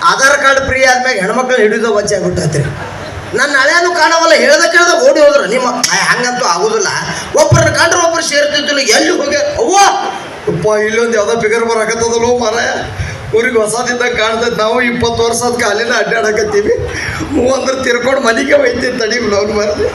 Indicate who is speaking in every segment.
Speaker 1: Aadhaar card free ಆದ್ಮ್ಯಾಗ ಹೆಣ್ಮಕ್ಳು ಹಿಡಿದು ವಚ್ಚ ಆಗ್ಬಿಟ್ಟೈತ್ರಿ. ನನ್ನ ಹಳೆಯನು ಕಾಣವಲ್ಲ, ಹೇಳ್ದ ಕೇಳ್ದ ಓಡಿ ಹೋದ್ರು. ನಿಮ್ಮ ಹಂಗಂತೂ ಆಗುದಿಲ್ಲ. ಒಬ್ಬರನ್ನ ಕಂಡ್ರೆ ಒಬ್ಬರು ಸೇರ್ತಿದ್ದಿಲ್ಲ. ಎಲ್ಲಿ ಹೋಗ್ಯ ಅವ್ವ ಅಪ್ಪ ಇಲ್ಲೊಂದು ಯಾವ್ದೋ ಬಿಗರ್ ಬರಾಕತ್ತದಲ್ಲೋ ಮಾರಾಯ. ಊರಿಗೆ ಹೊಸದಿಂದ ಕಾಣ್ತೈತೆ. ನಾವು 20 ವರ್ಷದ ಕಾಲಿನ ಅಡ್ಡಾಡಕತ್ತೀವಿ. ಅಂದ್ರೆ ತಿರ್ಕೊಂಡು ಮನೆಗೆ ಒಯ್ತೀನಿ ತಡಿ ಅವ್ನು ಬರದೆ.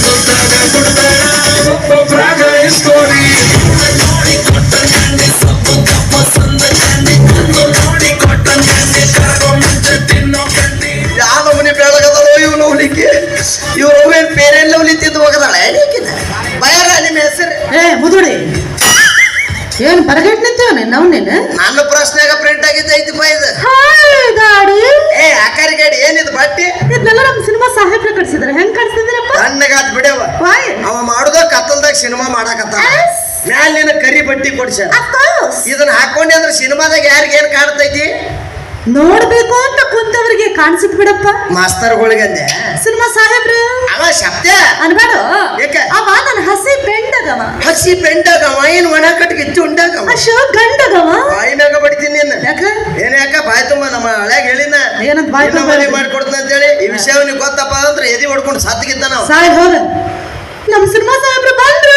Speaker 1: ಯಾವ ಮನೆ ಬೆಳಗದಲ್ಲೋ ಇವನು ಹೊಲಿಕೆ. ಇವ್ರು ಏನ್ ಪೇರೆಲ್ಲ ಹೊಲಿತಿದ್ದು ಹೋಗದಾಳ ಬಯರ ನಿಮ್ಮ ಹೆಸರು
Speaker 2: ಮುದುಡಿ ಏನ್ ಬರಗಟ್ ನಿಂತೇವನೆ ನಾವು ನೀನು.
Speaker 1: ನನ್ನ ಪ್ರಶ್ನೆಗ ಪ್ರಿಂಟ್ ಆಗಿದ್ದ ಐತಿ ಇದು
Speaker 2: ಗಾಡಿ
Speaker 1: ಆಕಾರಿ ಗಾಡಿ ಏನಿದು ಬಟ್ಟಿ.
Speaker 2: ಇದನ್ನೆಲ್ಲ ನಮ್ಮ ಸಿನಿಮಾ ಸಾಹೇಬ್ರ ಕಟ್ಸಿದ್ರೆ ಹೆಂಗ್ ಕಟ್ಸಿದ್ರಪ್ಪ?
Speaker 1: ತಣ್ಣಗಾತ್ ಬಿಡವ. ಅವ ಮಾಡುದ ಕತ್ತಲ್ದಾಗ ಸಿನಿಮಾ ಮಾಡಕತ್ತ. ಮ್ಯಾಲ ನಿನ್ನ ಕರಿ ಬಟ್ಟಿ ಕೊಡ್ಸ್ಯಾರ. ಇದನ್ನ ಹಾಕೊಂಡೆ ಅಂದ್ರೆ ಸಿನಿಮಾದಾಗ ಯಾರಿಗೆ ಏನ್ ಕಾಣ್ತೈತಿ
Speaker 2: ನೋಡ್ಬೇಕು ಅಂತ ಕುಂತವ್ರಿಗೆ ಕಾಣಿಸುತ್ತ ಬಿಡಪ್ಪ.
Speaker 1: ಮಾಸ್ತರ್ಗಳಿಗಂದೆ
Speaker 2: ಸಿನಿಮಾ ಸಾಹೇಬ್ರು
Speaker 1: ಅವ ಶಬ್ದ
Speaker 2: ಅನ್ಬೇಡ.
Speaker 1: ಯಾಕೆ
Speaker 2: ಅವ ನನ್ನ ಹಸಿ ಪೆಂಡಗವ.
Speaker 1: ಹಸಿ ಪೆಂಡಾಗವ ಏನ್ ಒಣ ಕಟ್ಗಿತ್ತು ಉಂಡಾಗವ.
Speaker 2: ಅಶೋ ಗಂಡಗವ.
Speaker 1: ಬಾಯಿ ಮ್ಯಾಗ ಬಡಿತೀನಿ ನಿನ್ನ.
Speaker 2: ಯಾಕ
Speaker 1: ಏನ್ ಯಾಕ ಬಾಯ್ ತುಂಬ ನಮ್ಮ ಹಳ್ಯಾಗ ಹೇಳಿನ
Speaker 2: ಏನಂತ ಬಾಯ್
Speaker 1: ಮನೆ ಮಾಡ್ಕೊಡ್ತೀನಿ ಅಂತ ಹೇಳಿ. ಈ ವಿಷಯ ಅವ್ನಿಗೆ ಗೊತ್ತಪ್ಪ ಅಂದ್ರೆ ಎದಿ ಹೊಡ್ಕೊಂಡು ಸತ್ತಿಗಿದ್ದ ನಾವು.
Speaker 2: ಸಾಯ್ ಹೋಗ ನಮ್ ಸಿನಿಮಾ ಸಾಹೇಬ್ರು ಬಂದ್ರು.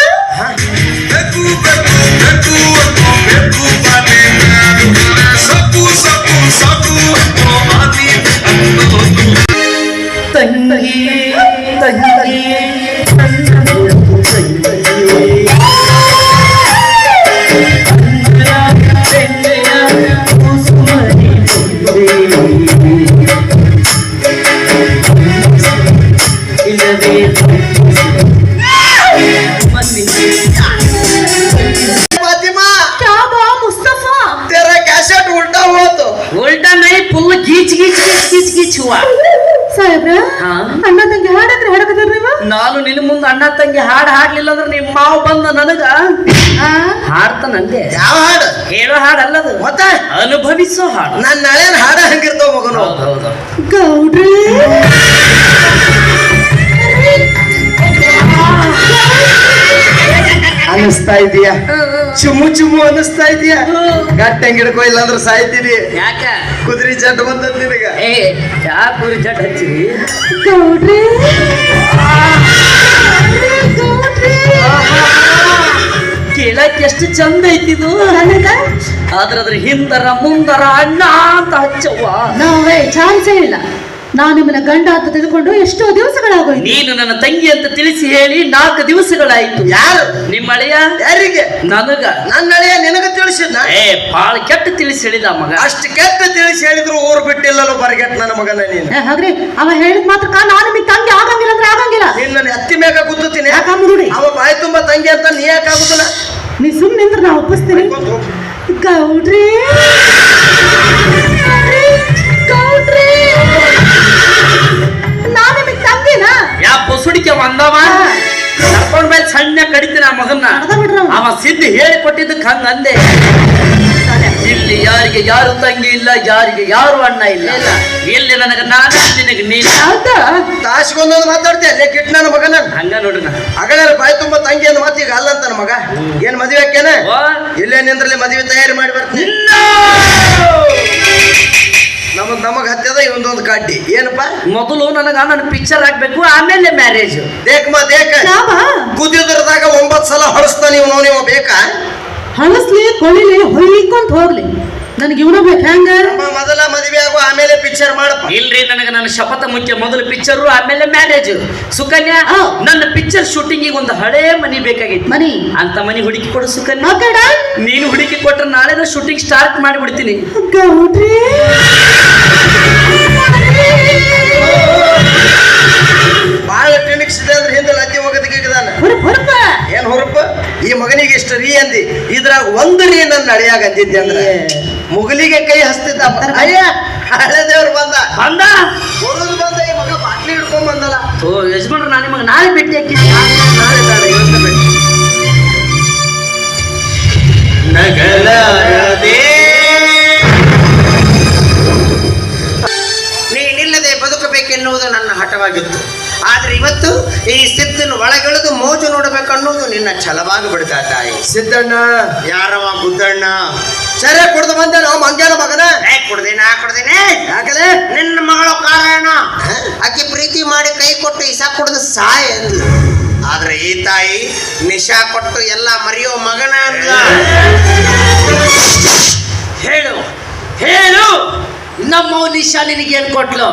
Speaker 2: ತಂಗಿ ತಂಗಿ ಅಣ್ಣ ತಂಗಿ ಹಾಡಂದ್ರೆ ಹಾಡಕತ್ತಾರ ನೀವು.
Speaker 3: ನಾನು ನಿನ್ನ ಮುಂದೆ ಅಣ್ಣ ತಂಗಿ ಹಾಡು ಹಾಡ್ಲಿಲ್ಲ ಅಂದ್ರೆ ನಿಮ್ಮ ಮಾವು ಬಂದ ನನಗ ಹಾಡ್ತಾನಂದೆ.
Speaker 1: ಯಾವ ಹಾಡು?
Speaker 3: ಹೇಳೋ ಹಾಡಲ್ಲದು,
Speaker 1: ಮತ್ತೆ
Speaker 3: ಅನುಭವಿಸೋ ಹಾಡು.
Speaker 1: ನನ್ನ ಹಳೆಯನ್ ಹಾಡ ಹಂಗಿರ್ತಾವ ಮಗನು.
Speaker 2: ಗೌಡ್ರಿ
Speaker 1: ಅನಿಸ್ತಾ ಇದೀಯಾ? ಚುಮ್ಮು ಚುಮ್ಮು ಅನಿಸ್ತಾ ಇದೀಯಾ? ಗಟ್ಟಂಗ್ ಹಿಡ್ಕೋ ಇಲ್ಲ ಅಂದ್ರೆ ಸಾಯ್ತೀನಿ.
Speaker 3: ಯಾಕ
Speaker 1: ಕುದುರೆ ಜಡ್ ಬಂದದ್ ನಿನಗ.
Speaker 3: ಯಾಕೆ ಕುರಿ ಜಡ್ ಹಚ್ಚಿರಿ?
Speaker 2: ಗೌಡ್ರಿ
Speaker 3: ಕೇಳಕ್ ಎಷ್ಟು ಚಂದ ಐತಿದು. ಆದ್ರ ಅದ್ರ ಹಿಂದರ ಮುಂದರ ಅಣ್ಣ ಅಂತ ಹಚ್ಚವ್ವ.
Speaker 2: ನಾವೇ ಚಾನ್ಸೇ ಇಲ್ಲ. ನಾನು ನಿಮ್ಮನ್ನ ಗಂಡ ಅಂತ ತಿಳ್ಕೊಂಡು ಎಷ್ಟೋ ದಿವಸಗಳಾಗೋಯ್ತು.
Speaker 3: ನೀನು ನನ್ನ ತಂಗಿ ಅಂತ ತಿಳಿಸಿ ಹೇಳಿ 4 ದಿವಸಗಳಾಯ್ತು.
Speaker 1: ಯಾರು?
Speaker 3: ನಿಮ್ಮ ಅಳಿಯ.
Speaker 1: ಯಾರಿಗೆ?
Speaker 3: ನನಗ.
Speaker 1: ನನ್ನ ಅಳಿಯ ನಿನಗ ತಿಳಿಸಿದ್ನ?
Speaker 3: ಬಾಳ ಕೆಟ್ಟ ತಿಳಿಸಿ ಹೇಳಿದ ಮಗ.
Speaker 1: ಅಷ್ಟು ಕೆಟ್ಟ ತಿಳಿಸಿ ಹೇಳಿದ್ರು ಊರು ಬಿಟ್ಟಿಲ್ಲಲ್ಲೋ ಬರಗೆಟ್ ನನ್ನ ಮಗನ ನೀನು.
Speaker 2: ಹಾಗ್ರಿ ಅವ ಹೇಳಿದ ಮಾತ್ರ ನಾನು ನಿಮಗೆ ತಂಗಿ ಆಗಂಗಿಲ್ಲ ಅಂದ್ರೆ ಆಗಂಗಿಲ್ಲ.
Speaker 1: ನಿನ್ನ ಎತ್ತಿ ಮ್ಯಾಗ ಗುದ್ದುತ್ತೀನಿ.
Speaker 2: ಯಾಕಂಬುದುಡಿ
Speaker 1: ಅವ ಬಾಯಿ ತುಂಬಾ ತಂಗಿ ಅಂತ ನೀ ಯಾಕಾಗುದಿಲ್ಲ?
Speaker 2: ನೀ ಸುಮ್ಮನೆ ನಿಂದ್ರೆ ನಾ ಒಪ್ಪಿಸ್ತೀನಿ. ಗೌಡ್ರಿ ಗೌಡ್ರಿ ನಾ ನಿಮಗೆ ತಂಗಿನ
Speaker 3: ಯಾ ಬಸುಡಿಕೆ ಬಂದವ ಕರ್ಕೊಂಡ್ ಮೇಲೆ ಸಣ್ಣ ಕಡಿತೀನಿ ಆ ಮಗನ್ನ. ಅವ ಸಿದ್ಧಿ ಹೇಳಿ ಕೊಟ್ಟಿದ್ದಕ್ಕೆ ಹಂಗ ಅಂದೆ. ಇಲ್ಲಿ ಯಾರಿಗೆ ಯಾರು ತಂಗಿ ಇಲ್ಲ, ಯಾರಿಗೆ ಯಾರು ಅಣ್ಣ ಇಲ್ಲ. ಇಲ್ಲಿ ನನಗ ನಾನು, ನಿನಗೆ ನೀನು.
Speaker 1: ತಾಸ್ಕೊಂದೊಂದು ಮಾತಾಡ್ತೀಯ ಅಲ್ಲೇ ಕಿಟ್ ನನ್ನ ಮಗನ.
Speaker 3: ಹಂಗ ನೋಡ್ರಿ ನಾ
Speaker 1: ಅಗಲ ಬಾಯಿ ತುಂಬ ತಂಗಿ ಅಂದ ಮಾತು ಈಗ ಅಲ್ಲ ಅಂತ ನನ್ನ ಮಗ. ಏನ್ ಮದುವೆ ಹಾಕ್ಯಾನ? ಇಲ್ಲೇ ನಿಂದ್ರಲ್ಲಿ ಮದುವೆ ತಯಾರಿ ಮಾಡಿ ಬರ್ತೀನಿ. ನಮಗ್ ಹತ್ತದ ಇವೊಂದೊಂದು ಕಾಟಿ. ಏನಪ್ಪ?
Speaker 3: ಮೊದಲು ನನ್ನ ಪಿಕ್ಚರ್ ಹಾಕ್ಬೇಕು, ಆಮೇಲೆ ಮ್ಯಾರೇಜ್.
Speaker 1: ದೇಖ ಕುದಿದ್ರದಾಗ 9 ಸಲ ಹೊಳಸ್ತಾನೆ ಇವನು. ನೀವು ಬೇಕಾ?
Speaker 2: ಹಳಸ್ಲಿ ಕೊಳಿಲಿ ಹೊಯ್ಕೊಂತ ಹೋಗ್ಲಿ, ನನಗೆ ಇವನ ಬೇಕು. ಹೆಂಗ?
Speaker 1: ಮೊದಲ ಮದುವೆ ಆಗು ಆಮೇಲೆ ಪಿಕ್ಚರ್ ಮಾಡಪ್ಪ.
Speaker 3: ಇಲ್ರಿ, ನನಗೆ ನನ್ನ ಶಪಥ ಮುಖ್ಯ. ಮೊದಲು ಪಿಕ್ಚರ್ ಆಮೇಲೆ ಮ್ಯಾರೇಜ್. ಸುಕನ್ಯಾ, ನನ್ನ ಪಿಕ್ಚರ್ ಶೂಟಿಂಗ್ ಒಂದು ಹಳೇ ಮನಿ ಬೇಕಾಗಿತ್ತು.
Speaker 2: ಮನಿ
Speaker 3: ಅಂತ ಮನಿ ಹುಡುಕಿ ಕೊಡು ಸುಕನ್ಯಾ. ನೀನು ಹುಡುಕಿ ಕೊಟ್ರೆ ನಾಳೆ ಶೂಟಿಂಗ್ ಸ್ಟಾರ್ಟ್ ಮಾಡಿಬಿಡ್ತೀನಿ.
Speaker 1: ಬಾಳ ಕ್ಲಿನಿಕ್ಸ್ ಇದೆ ಅಂದ್ರೆ ಹಿಂದೆ ಲಜ್ಜೆ ಹೋಗೋದಕ್ಕೆ ಏನ್ ಹೊರಪ. ಈ ಮಗನಿಗೆ ಇಷ್ಟ ರೀ ಅಂದಿ, ಇದ್ರಾಗ ಒಂದು ರೀ ನನ್ನ ಅಳಿಯಾಗ ಅಂದಿದ್ದೆ ಅಂದ್ರೆ ಮುಗಲಿಗೆ ಕೈ ಹಸ್ತಿದ್ದ. ಅಯ್ಯ ಹಳೆ ದೇವ್ರು ಬಂದ
Speaker 3: ಬಂದ
Speaker 1: ಬರೋದು ಬಂದ. ಈ ಮಗ ಬಾಟ್ಲಿ ಹಿಡ್ಕೊಂಡ್ ಬಂದಲ್ಲ.
Speaker 3: ಯಜಮಾನ್ರು ನಾನು ನಿಮಗೆ ನಾಳೆ ಭೇಟಿ ಹಾಕಿದ್ದೆ.
Speaker 1: ನಾಳೆ ಬೇಡ, ಇವತ್ತು ಭೇಟಿ. ನಗಲಾರದೆ ನೀನಿಲ್ಲದೆ ಬದುಕಬೇಕೆನ್ನುವುದು ನನ್ನ ಹಠವಾಗಿತ್ತು. ಆದ್ರೆ ಇವತ್ತು ಈ ಸಿದ್ದನ ಒಳಗೆಳೆದು ಮೋಜು ನೋಡಬೇಕನ್ನೋದು ನಿನ್ನ ಛಲವಾಗಿ ಬಿಡ್ತಾ ತಾಯಿ. ಸಿದ್ದಣ್ಣ ಯಾರವ? ಗುದ್ದಣ್ಣ. ಸರಿ ಕುಡ್ದು ಬಂದೆ ನಾವು ಮಂಗ್ಯಾನ ಮಗನ. ಕುಡ್ದೇನೆ ಯಾಕಲೇ ಕುಡಿದು ಸಾಯ್ ಅಂದ್ಲು. ಆದ್ರೆ ಈ ತಾಯಿ ನಿಶಾ ಕೊಟ್ಟು ಎಲ್ಲ ಮರೆಯೋ ಮಗನ ಅಂದ್ಲ.
Speaker 3: ಹೇಳು ಹೇಳು, ನಮ್ಮ ನಿಶಾ ನಿನಗೆ ಏನ್ ಕೊಟ್ಲು?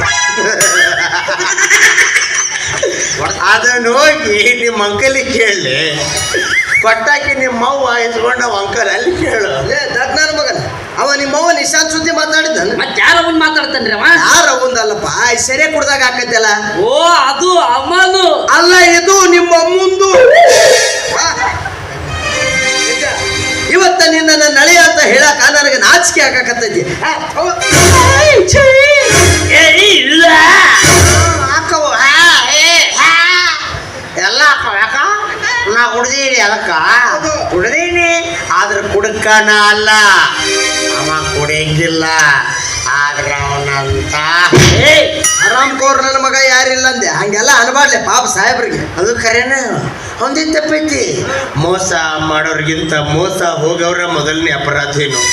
Speaker 1: ಅದನ್ನ ಹೋಗಿ ನಿಮ್ಮ ಅಂಕಲಿಗೆ ಕೇಳಿ, ಕೊಟ್ಟಾಕಿ ನಿಮ್ಮ ಅವ್ವ ಇಸ್ಕೊಂಡ ಅಂಕಲ್ ಅಲ್ಲಿ ಕೇಳು. ನನ್ನ ಮಗನ ಅವ ನಿಮ್ಮವ್ವ ನಿಶಾಂತ್ ಸುದ್ದಿ ಮಾತಾಡಿದ್ದಾನ.
Speaker 3: ಮತ್ತೆ ಯಾರ ಅವನ್ ಮಾತಾಡ್ತಾನ್ರಿ ಅವ?
Speaker 1: ಯಾರ ಅವಂದಲ್ಲಪ್ಪ, ಸೆರೆ ಕುಡ್ದಾಗ ಹಾಕತ್ತಲ್ಲ.
Speaker 3: ಓ ಅದು ಅಮ್ಮನು
Speaker 1: ಅಲ್ಲ, ಇದು ನಿಮ್ಮ ಅಮ್ಮಂದು. ಇವತ್ತ ನಿನ್ನ ನಳಿ ಅಂತ ಹೇಳಕ ನನಗೆ ನಾಚಿಕೆ ಹಾಕಕತ್ತೈತಿ.
Speaker 3: ಇಲ್ಲ
Speaker 1: ಹಾಕವು ಎಲ್ಲ ಹಾಕವ. ಯಾಕ ನಾ ಕುಡ್ದೀನಿ, ಅದಕ್ಕ ಕುಡ್ದೀನಿ. ಆದ್ರೆ ಕುಡ್ಕನ ಅಲ್ಲ, ಅವ ಕುಡಿಯಂಗಿಲ್ಲ. ಆದ್ರೆ ಅವನಂತ ಆರಾಮ್ ಕೋರ್ ನನ್ನ ಮಗ ಯಾರಿಲ್ಲ ಅಂದೆ. ಹಂಗೆಲ್ಲ ಅನ್ಬಾಡ್ಲೆ ಪಾಪ ಸಾಹೇಬ್ರಿಗೆ. ಅದು ಖರೇನ ಒಂದೇ ತಪ್ಪೈತಿ. ಮೋಸ ಮಾಡೋರ್ಗಿಂತ ಮೋಸ ಹೋಗವ್ರ ಮೊದಲನೇ ಅಪರಾಧೇನು.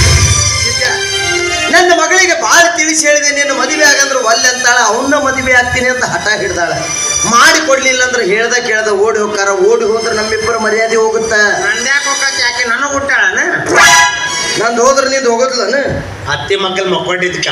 Speaker 1: ನನ್ನ ಮಗಳಿಗೆ ಭಾಳ ತಿಳಿಸಿ ಹೇಳಿದೆ, ನೀನು ಮದುವೆ ಆಗಂದ್ರೆ ಒಲ್ಲೆ ಅಂತಾಳ. ಅವನ್ನ ಮದುವೆ ಆಗ್ತೀನಿ ಅಂತ ಹಠ ಹಿಡ್ದಾಳ. ಮಾಡಿ ಕೊಡ್ಲಿಲ್ಲ ಅಂದ್ರೆ ಹೇಳ್ದ ಕೇಳ್ದ ಓಡಿ ಹೋಗ್ತಾರ. ಓಡಿ ಹೋದ್ರೆ ನಮ್ಮಿಬ್ಬರ ಮರ್ಯಾದೆ ಹೋಗುತ್ತ. ನಂದ್ಯಾಕೆ ಹೋಗತ್ತೆ? ಯಾಕೆ ನನಗೆ ಹುಟ್ಟಾಳನ? ನಂದು ಹೋದ್ರೆ ನಿಂದು ಹೋಗೋದಿಲ್ಲನ? ಅತ್ತಿ ಮಕ್ಕಳು ಮಕ್ಕೊಂಡಿದ್ಕ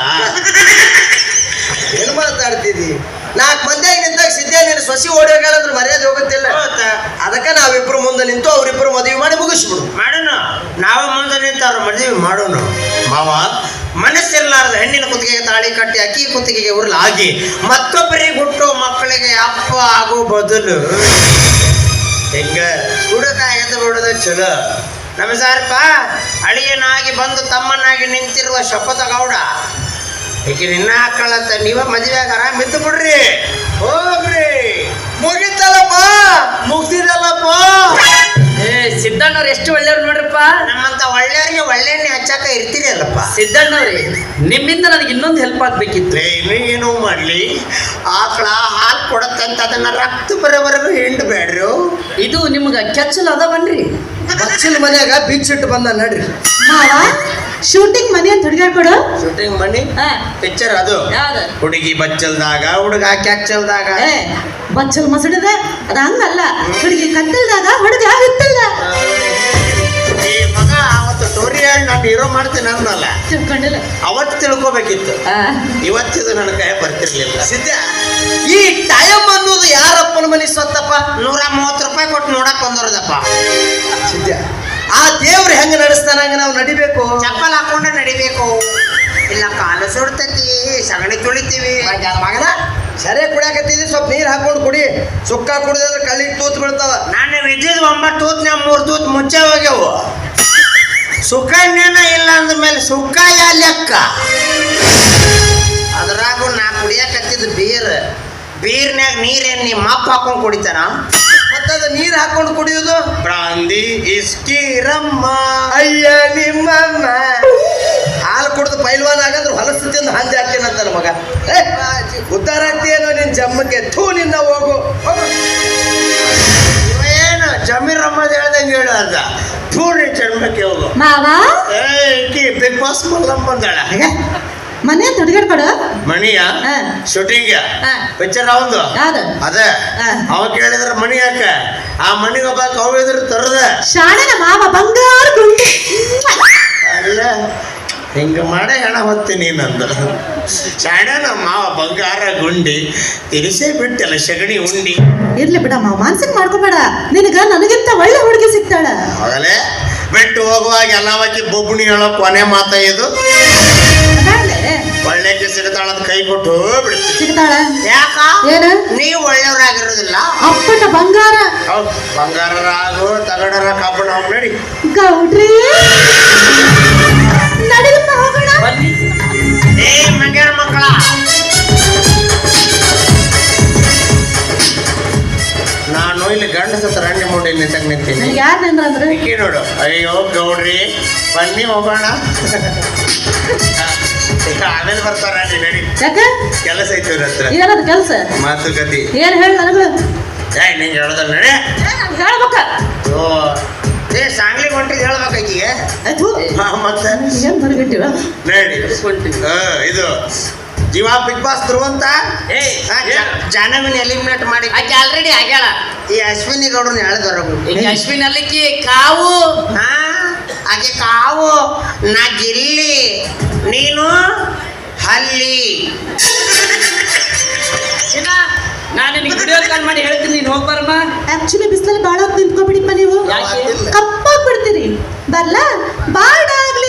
Speaker 1: ಏನು ಮಾತಾಡ್ತಿದ್ದಿ? 4 ಮಂದಿಯಾಗಿ ನಿಂತಾಗ ಸಿದ್ಧ ನೀನು ಸೊಸಿ ಓಡಿ ಹೋಗ್ಯಾಳಂದ್ರೆ ಮರ್ಯಾದೆ ಹೋಗುತ್ತಿಲ್ಲ. ಅದಕ್ಕೆ ನಾವಿಬ್ರು ಮುಂದೆ ನಿಂತು ಅವ್ರಿಬ್ರು ಮದುವೆ ಮಾಡಿ ಮುಗಿಸ್ಬಿಡು. ಮಾಡೋಣ, ನಾವು ಮುಂದೆ ನಿಂತು ಅವ್ರ ಮದುವೆ ಮಾಡೋಣ. ಮಾವ ಮನಸ್ಸಿರ್ಲಾರ್ದ ಹೆಣ್ಣಿನ ಕುತ್ತಿಗೆಗೆ ತಾಳಿ ಕಟ್ಟಿ ಅಕ್ಕಿ ಕುತ್ತಿಗೆಗೆ ಉರುಳಾಗಿ ಮತ್ತೊಬ್ಬರಿಗೆ ಹುಟ್ಟೋ ಮಕ್ಕಳಿಗೆ ಅಪ್ಪ ಆಗೋ ಬದಲು ಹೆಂಗ ಹುಡುಗ ಎದ್ದು ಬಿಡೋದು ಚಲೋ. ನಮಸ್ಕಾರಪ್ಪ, ಅಳಿಯನಾಗಿ ಬಂದು ತಮ್ಮನಾಗಿ ನಿಂತಿರುವ ಶಪಥ ಗೌಡ. ಈಗ ನಿನ್ನ ಹಾಕಳಂತ ನೀವ ಮದುವೆ ಆಗ ಆರಾಮ್ ಇದ್ದು ಬಿಡ್ರಿ. ಹೋಗ್ರಿ, ಮುಗಿತಲ್ಲಪ್ಪ, ಮುಗ್ದಿದಲ್ಲಪ್ಪ.
Speaker 3: ಸಿದ್ದಣ್ಣವ್ರು ಎಷ್ಟು ಒಳ್ಳೆಯವ್ರು ನೋಡ್ರಪ್ಪ.
Speaker 1: ನಮ್ಮಂತ ಒಳ್ಳೆಯವ್ರಿಗೆ ಒಳ್ಳೆಣ್ಣೆ ಹಚ್ಚಾಕ ಇರ್ತೀರಿ ಅಲ್ಲಪ್ಪ.
Speaker 3: ಸಿದ್ದಣ್ಣವ್ರಿ, ನಿಮ್ಮಿಂದ ನನಗೆ ಇನ್ನೊಂದು ಹೆಲ್ಪ್ ಆಗ್ಬೇಕಿತ್ತು.
Speaker 1: ಏನು ಮಾಡ್ಲಿ? ಆಕಳ ಹಾಲು ಕೊಡತ್ತಂತ ಅದನ್ನ ರಕ್ತ ಬರೋವರೆಗೂ ಹಿಂಡ್ಬೇಡ್ರು.
Speaker 3: ಇದು ನಿಮ್ಗ ಕೆಚ್ಚಲ್ ಅದಾವನ್ರಿ?
Speaker 1: ಬಚ್ಚಲ್ ಮನ್ಯಾಗ ಬಿಚ್ಚಿಟ್ಟು ಬಂದ ನಡ್ರಿ.
Speaker 2: ಮಾವ ಶೂಟಿಂಗ್ ಮನೆ ಅಂತ ಹುಡುಗಾಡ್ಕೊಡು.
Speaker 1: ಶೂಟಿಂಗ್ ಮನಿ ಪಿಕ್ಚರ್ ಅದು. ಹುಡುಗಿ ಬಚ್ಚಲ್ದಾಗ, ಹುಡುಗ ಕೆಚ್ಚಲ್ದಾಗ.
Speaker 2: ಬಚ್ಚಲ್ ಮಸಡಿದ ಅದ ಹಂಗಲ್ಲ. ಹುಡುಗಿ ಕತ್ತಲ್ದಾಗ, ಹುಡುಗ ಹಿತ್ತಲ್ದ.
Speaker 1: ಈ ಮಗ ಅವತ್ತು ಸ್ಟೋರಿ ಹೇಳಿ ನಾನು ಹೀರೋ ಮಾಡ್ತೀನಿ ಅನ್ನಲ್ಲ.
Speaker 2: ತಿಳ್ಕೊಂಡಿಲ್ಲ.
Speaker 1: ಅವತ್ತು ತಿಳ್ಕೊಬೇಕಿತ್ತು, ಇವತ್ತಿದು ನನ್ನ ಕೈ ಬರ್ತಿರ್ಲಿಲ್ಲ. ಸಿದ್ಧ, ಈ ಟೈಮ್ ಅನ್ನೋದು ಯಾರಪ್ಪನ ಮನೆ ಸ್ವತ್ತಪ್ಪ? 130 ರೂಪಾಯಿ ಕೊಟ್ಟು ನೋಡಕ್ ಬಂದವ್ರದಪ್ಪ. ಸಿದ್ಧ, ಆ ದೇವ್ರು ಹೆಂಗ ನಡೆಸ್ತಾನ ಹಂಗ ನಾವು ನಡಿಬೇಕು. ಚಪ್ಪಲ್ ಹಾಕೊಂಡೆ ನಡಿಬೇಕು. ಇಲ್ಲ ಕಾಲು ಸುಡ್ತೈತಿ, ಸಗಣಿ ತುಳಿತೀವಿ. ಮಗನ ಸರಿ ಕುಡಿಯಾಕತ್ತಿದ್ವಿ, ಸ್ವಲ್ಪ ನೀರು ಹಾಕೊಂಡು ಕುಡಿ. ಸುಕ್ಕ ಕುಡಿದ್ರೆ ಕಳ್ಳಿಗೆ ತೂತ್ ಬೀಳ್ತಾವ. ನಾನು ವಿದ್ಯುತ್ 9 ತೂತ್ನ್ಯಾಗ 3 ತೂತ್ ಮುಚ್ಚೆ ಹೋಗ್ಯವು. ಸುಖನೇನ ಇಲ್ಲ ಅಂದ್ಮೇಲೆ ಸುಖ ಯಾ ಲೆಕ್ಕ? ಅದ್ರಾಗು ನಾ ಕುಡಿಯಾಕತ್ತಿದ್ದು ಬೀರ್ನ್ಯಾಗ ನೀರೇನು ನಿಮ್ಮ ಅಪ್ಪ ಹಾಕೊಂಡು ಕುಡಿತಾನ? ಮತ್ತದ ನೀರು ಹಾಕೊಂಡು ಕುಡಿಯೋದು ಬ್ರಾಂದಿ ಇಸ್ಕಿ ರಮ್ಮ. ಅಯ್ಯ ನಿಮ್ಮಮ್ಮ ಹಾಲು ಕುಡಿದು ಪೈಲ್ವಾನ್ ಆಗಂದ್ರೆ ಹೊಲಸು ತಿಂದು ಹಂದಿ ಹಾಕ್ತೇನಂತಾನ ಮಗ. ಉದ್ದಾರ ಆಗ್ತೀಯೇನೋ ನಿನ್ ಜಮ್ಮಕ್ಕೆ. ಥೂ ನಿನ್ನ ಹೋಗು. ಏನು ಜಮೀರ್ ರಮ್ಮದ ಹೇಳ್ದಂಗೆ ಹೇಳು ಅದ. ಥೂ ನಿನ್ ಜನ್ಮಕ್ಕೆ ಹೋಗು.
Speaker 2: ಮಾವ
Speaker 1: ಬಿಗ್ ಬಾಸ್ ಮಲ್ಲಮ್ಮ ಬಂದಾಳ.
Speaker 2: ಮನೆ ಅಂತ ಹುಡುಗಾಡ್ಕೊಡು.
Speaker 1: ಮಣಿಯ ಶೂಟಿಂಗ್ ಪಿಕ್ಚರ್ ಅವಂದು ಅದ. ಅವ ಕೇಳಿದ್ರ ಮಣಿ ಯಾಕ? ಆ ಮಣಿಗೆ ಒಬ್ಬ ಕವಿದ್ರು ತರದ
Speaker 2: ಶಾಣನ ಮಾವ ಬಂಗಾರ ಗುಂಡಿ.
Speaker 1: ಅಲ್ಲ, ಹಿಂಗ ಮಾಡೇ ಹೆಣ ಹೊತ್ತೀನಿ ನಂದು. ಶಾಣನ ಮಾವ ಬಂಗಾರ ಗುಂಡಿ ತಿನಿಸೇ ಬಿಟ್ಟಲ್ಲ ಸಗಣಿ ಉಂಡಿ.
Speaker 2: ಇರ್ಲಿ ಬಿಡ ಮಾವ, ಮಾನ್ಸಿಕ್ ಮಾಡ್ಕೋಬೇಡ. ನಿನಗ ನನಗಿಂತ ಒಳ್ಳೆ ಹುಡುಗಿ ಸಿಗ್ತಾಳ.
Speaker 1: ಆಗಲೇ ಬಿಟ್ಟು ಹೋಗುವಾಗ ಎಲ್ಲವಕ್ಕೆ ಬೊಬ್ಬಣಿ ಹೇಳೋ ಕೊನೆ ಮಾತ ಇದು. ಒಳ್ಳೆಕ್ಕೆ ಸಿಗ್ತಾಳಂತ ಕೈ ಕೊಟ್ಟು ಬಿಡ್ತೀವಿ.
Speaker 2: ಸಿಗ್ತಾಳ?
Speaker 1: ಯಾಕ?
Speaker 2: ಏನು
Speaker 1: ನೀವು ಒಳ್ಳೆಯವ್ರಾಗಿರೋದಿಲ್ಲ.
Speaker 2: ಅಪ್ಪಟ ಬಂಗಾರ.
Speaker 1: ಹೌದು, ಬಂಗಾರರಾಗು ತಗಡರ ಕಬ್ಬಣ ನಡಿ.
Speaker 2: ಗೌಡ್ರಿ ನಡಿಲಪ್ಪ ಹೋಗೋಣ.
Speaker 1: ಏ ಮಂಗ್ಯಾರ ಮಕ್ಕಳ, ನಾನು ಇಲ್ಲಿ ಗಂಡ ಸತ್ತ ರಂಡಿ ಮುಂಡೆ ನಿಂತಾಗ ನಿಂತೀನಿ.
Speaker 2: ನನಗೆ ಯಾರು ನಿಂದ್ರಂದ್ರೆ
Speaker 1: ನೋಡು. ಅಯ್ಯೋ ಗೌಡ್ರಿ ಬನ್ನಿ ಹೋಗೋಣ. ಆಮೇಲೆ ಬರ್ತಾರ ನಡಿ.
Speaker 2: ಯಾಕ
Speaker 1: ಕೆಲಸ ಐತಿ ಇವ್ರ ಹತ್ರ.
Speaker 2: ಏನದು ಕೆಲಸ?
Speaker 1: ಮಾತುಕತೆ.
Speaker 2: ಏನ್ ಹೇಳ ನನಗ?
Speaker 1: ನಿಂಗೆ ಹೇಳೋದಲ್ಲ ನಡೆ.
Speaker 2: ಹೇಳ್ಬೇಕ.
Speaker 1: ಓ ಏ ಸಾಂಗ್ಲಿಗೆ ಹೊಂಟಿದ್ ಹೇಳ್ಬೇಕಾಗಿಗೆ. ಮತ್ತೆ
Speaker 2: ಏನ್ ಬರಗಟ್ಟಿವ
Speaker 1: ನಡಿ. ಇದು ಜೀವ ಬಿಗ್ ಬಾಸ್ ಧ್ರುವಂತ
Speaker 3: ಏಯ್
Speaker 1: ಜಾನವಿನ ಎಲಿಮಿನೇಟ್ ಮಾಡಿ
Speaker 3: ಆಕೆ ಆಲ್ರೆಡಿ ಆಗ್ಯಾಳ.
Speaker 1: ಈ ಅಶ್ವಿನಿ ಗೌಡ್ರನ್ನ ಹೇಳಿದಾರ
Speaker 3: ಈಗ ಅಶ್ವಿನ್ ಅಲ್ಲಿಕ್ಕಿ ಕಾವು
Speaker 1: ಹಾ ಆಕೆ ಕಾವು ನಾ ಗಿಲ್ಲಿ ನೀನು ಹಲ್ಲಿ.
Speaker 3: ನಾನು ನಿನಗೆ ವಿಡಿಯೋ ಕಾಲ್ ಮಾಡಿ ಹೇಳ್ತೀನಿ, ನೀನು ಹೋಗ್ಬಾರಮ್ಮ.
Speaker 2: ಆಕ್ಚುಲಿ ಬಿಸಿಲಲ್ಲಿ ಬಾಳ ಹೊತ್ತು ನಿಂತ್ಕೊಬಿಡಿಪ್ಪ ನೀವು,
Speaker 3: ಯಾಕೆ?
Speaker 2: ಕಪ್ಪಾಗ್ಬಿಡ್ತೀರಿ. ಬರ್ಲ ಬಾಡಾಗ್ಲಿ.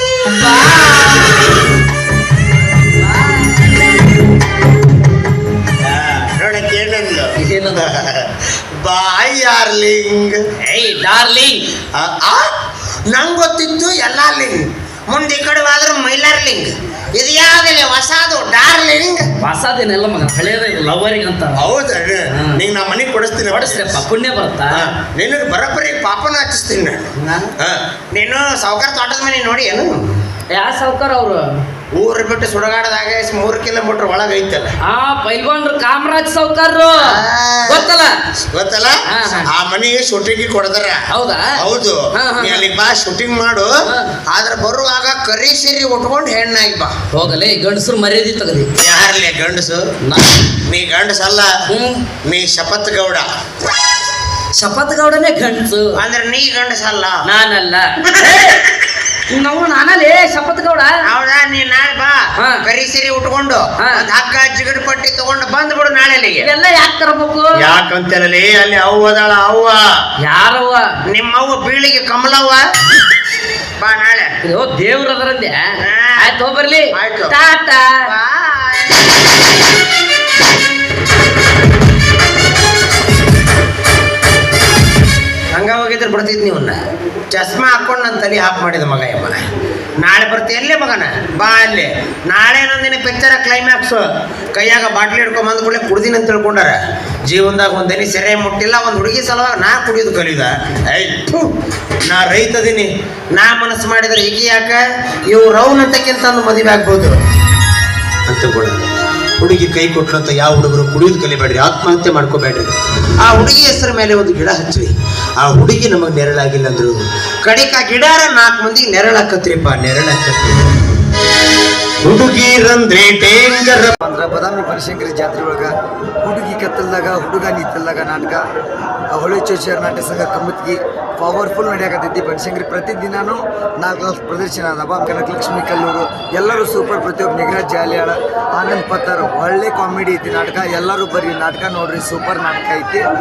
Speaker 1: ನೋಡಕ್ಕೆ ಏನಂದು
Speaker 3: ಏನಂದ?
Speaker 1: ಬಾಯ್ ಯಾರ್ಲಿಂಗ್.
Speaker 3: ಏಯ್ ಡಾರ್ಲಿಂಗ್.
Speaker 1: ನಂಗೆ ಗೊತ್ತಿತ್ತು ಎಲ್ಲ ಲಿಂಗ್, ಮುಂದೆ ಈ ಕಡೆ ಹೋದ್ರೆ ಮೈಲಾರ್ಲಿಂಗ್. ಇದು ಯಾವ್ದಿಲ್ಲ ಹೊಸದು ಡಾರ್ಲಿಂಗ್.
Speaker 3: ಹೊಸದೇನೆಲ್ಲ ಮಗ, ಹಳೇದ ಲವರಿಗೆ ಅಂತ.
Speaker 1: ಹೌದ ನಿಂಗೆ ನಾ ಮನೆಗೆ ಕೊಡಿಸ್ತೀನಿ,
Speaker 3: ಹೊಡಿಸ್ರಪ್ಪ, ಪುಣ್ಯ ಬರುತ್ತಾ?
Speaker 1: ನಿನಗೆ ಬರೋಬ್ಬರಿ ಪಾಪನ ಹಚ್ಚಿಸ್ತೀನಿ ನಾನು. ನೀನು ಸಾವುಕಾರ ತೋಟದ ಮನೆ ನೋಡಿ ಏನು?
Speaker 3: ಯಾ ಸಾವ್ಕಾರ ಅವರು?
Speaker 1: ಊರು ಬಿಟ್ಟು ಸುಡಗಾಡದಾಗ 3 ಕಿಲೋಮೀಟರ್ ಒಳಗೆ ಐತಲ್ಲ.
Speaker 3: ಪೈಲ್ವಾನ್ರು ಕಾಮರಾಜ್ ಸಾವ್ಕಾರ್ರು ಗೊತ್ತಲ್ಲ?
Speaker 1: ಗೊತ್ತಲ್ಲ,
Speaker 3: ಹಾ, ಹಾ.
Speaker 1: ಆ ಮನೆಗೆ ಶೂಟಿಂಗ್ ಕೊಡದಾರ.
Speaker 3: ಹೌದಾ?
Speaker 1: ಹೌದು.
Speaker 3: ಹಾ, ಹಾ.
Speaker 1: ನೀ ಅಲ್ಲಿಗೆ ಬಾ, ಶೂಟಿಂಗ್ ಮಾಡು.
Speaker 3: ಹಾ.
Speaker 1: ಆದ್ರೆ ಬರುವಾಗ ಕರಿ ಸೀರೆ ಉಟ್ಕೊಂಡು ಹೆಣ್ಣಾಗಿ ಬಾ.
Speaker 3: ಹೋಗಲೇ ಗಂಡಸರು ಮರ್ಯಾದಿ ತಗದಿ.
Speaker 1: ಯಾರ್ಲಿ ಗಂಡಸು? ನೀ ಗಂಡಸಲ್ಲ, ನೀ ಶಪತ್ ಗೌಡ.
Speaker 3: ಶಪತ್ ಗೌಡನೇ ಗಂಡಸು
Speaker 1: ಅಂದ್ರೆ ನೀ ಗಂಡಸಲ್ಲ.
Speaker 3: ನಾನಲ್ಲ. ನಾವು ನಾನಲ್ಲೇ ಶಪತ್ ಗೌಡ.
Speaker 1: ಹೌದಾ? ನೀ ನಾಳೆ ಬಾ,
Speaker 3: ಹಾ.
Speaker 1: ಕರಿ ಸೀರೆ ಉಟ್ಕೊಂಡು
Speaker 3: ಹಾ.
Speaker 1: ಒಂದ್ ಹಗ್ಗ ಜಿಗಡ್ ಪಟ್ಟಿ ತಗೊಂಡು ಬಂದ್ಬಿಡು ನಾಳೆ ಅಲ್ಲಿಗೆ.
Speaker 3: ಇವೆಲ್ಲ ಯಾಕೆ ತರಬೇಕು?
Speaker 1: ಯಾಕಂತೇಳಿ ಅಲ್ಲಿ ಅವ್ವ ಅದಾಳ. ಅವ್ವ
Speaker 3: ಯಾರವ್ವ?
Speaker 1: ನಿಮ್ಮವ್ವ ಬೀಳಿಗೆ ಕಮಲವ್ವ. ಬಾ ನಾಳೆ.
Speaker 3: ಇದು ದೇವ್ರ ಅದರಂದೆ. ಆಯ್ತು ಹೋಗ್ಬರ್ಲಿ.
Speaker 1: ಆಯ್ತು.
Speaker 3: ಟಾಟಾ.
Speaker 1: ಹಂಗ ಹೋಗಿದ್ರೆ ಬಿಡ್ತಿದ್ ನೀವನ್ನ. ಚಸ್ಮಾ ಹಾಕೊಂಡು ನನ್ನ ತಲೆ ಹಾಕಿ ಮಾಡಿದ ಮಗ ಯಮ್ಮನ. ನಾಳೆ ಬರ್ತೀಯಲ್ಲೇ ಮಗನ, ಬಾ ಅಲ್ಲಿ. ನಾಳೆ ನಂದಿನ ಪಿಕ್ಚರ ಕ್ಲೈಮ್ಯಾಕ್ಸು. ಕೈಯಾಗ ಬಾಟ್ಲಿ ಹಿಡ್ಕೊಂಡ್ ಬಂದ್ ಕೂಡಲೇ ಕುಡ್ದಿನ ಅಂತ ತಿಳ್ಕೊಂಡಾರ. ಜೀವನದಾಗ ಒಂದನಿ ಸೆರೆ ಮುಟ್ಟಿಲ್ಲ, ಒಂದು ಹುಡುಗಿ ಸಲುವಾಗಿ ನಾ ಕುಡಿಯೋದು ಕಲಿಯುದ. ನಾ ರೈತದೀನಿ, ನಾ ಮನಸ್ಸು ಮಾಡಿದ್ರೆ ಈಗ ಯಾಕ ಇವು ರೌನ್ ಅಂತಕ್ಕಿಂತ ಒಂದು ಮದುವೆ ಆಗ್ಬೋದು ಅಂತ ಕೂಡ. ಹುಡುಗಿ ಕೈ ಕೊಟ್ಟಂತ ಯಾವ ಹುಡುಗರು ಕುಡಿಯೋದು ಕಲಿಬೇಡ್ರಿ, ಆತ್ಮಹತ್ಯೆ ಮಾಡ್ಕೋಬೇಡ್ರಿ. ಆ ಹುಡುಗಿ ಹೆಸರ ಮೇಲೆ ಒಂದು ಗಿಡ ಹಚ್ಚ್ರಿ. ಆ ಹುಡುಗಿ ನಮಗೆ ನೆರಳಾಗಿಲ್ಲ ಅಂದ್ರು ಕಡಿಕ ಗಿಡಾರ 4 ಮಂದಿಗೆ ನೆರಳಾಕತ್ರಿಪ್ಪ, ನೆರಳಾಕತ್ರಿ. ಹುಡುಗಿರಂದ್ರೆ ಡೇಂಜರ್.
Speaker 4: ಅಂದ್ರೆ ಬದಾಮಿ ಬನಶಂಕರಿ ಜಾತ್ರೆ ಒಳಗೆ ಹುಡುಗಿ ಕತ್ತಲ್ದಾಗ ಹುಡುಗ ನಿತ್ತಲ್ದಾಗ ನಾಟಕ, ಹೊಳೆ ಚೋಚರ್ ನಾಟ್ಯ ಸಂಘ ಕಮ್ಮತ್ಗಿ ಪವರ್ಫುಲ್ ನಡೆಯಕತ್ತೈತಿ ಬನಶಂಕರಿ. ಪ್ರತಿದಿನಾನು 4 ಪ್ರದರ್ಶನ ಅದಾವ. ಕನಕಲಕ್ಷ್ಮಿ ಕಲ್ಲೂರು ಎಲ್ಲರೂ ಸೂಪರ್. ಪ್ರತಿಯೊಬ್ಬ ನಿಗರಾಜ್ ಜಾಲಿಯಾಳ, ಆನಂದ್ ಪತ್ತರ್, ಒಳ್ಳೆ ಕಾಮಿಡಿ ಐತಿ ನಾಟಕ. ಎಲ್ಲರೂ ಬರ್ರಿ, ನಾಟಕ ನೋಡ್ರಿ, ಸೂಪರ್ ನಾಟಕ ಐತಿ.